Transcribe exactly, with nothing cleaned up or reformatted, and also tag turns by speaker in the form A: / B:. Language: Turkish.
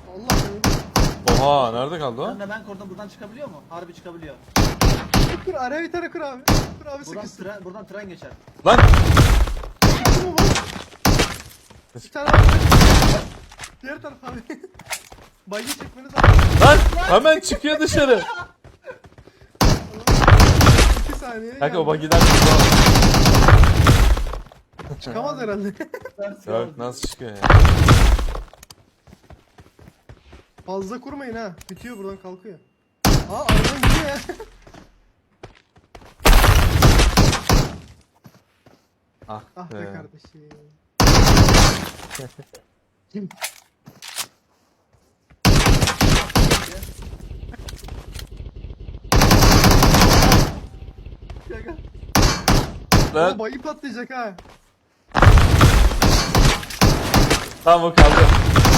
A: Allah Allah.
B: Oha nerede kaldı o?
C: Ben de ben kurdum, buradan çıkabiliyor mu? Harbi çıkabiliyor.
A: Kur araya bir tane kur abi. Kur abi
C: Buradan
A: sıkışsın.
C: tren, buradan tren geçer.
B: Lan!
A: Sıkıştı mı bu? Bir tane abi. Diğer taraf abi. Bayı çekmeniz lazım.
B: Lan! Hemen çıkıyor dışarı.
A: İki saniye.
B: Kanka o
A: geldi.
B: bagiden
A: Çıkamaz herhalde.
B: Yok nasıl çıkıyor ya?
A: Fazla kurmayın ha. Bitiyor buradan kalkıyor. Aa aradan gidiyor ya.
B: Ah,
A: Ah be
B: be.
A: kardeşim. Gel gel.
B: Lan
A: Aa, bayı patlayacak ha.
B: tamam o kaldı.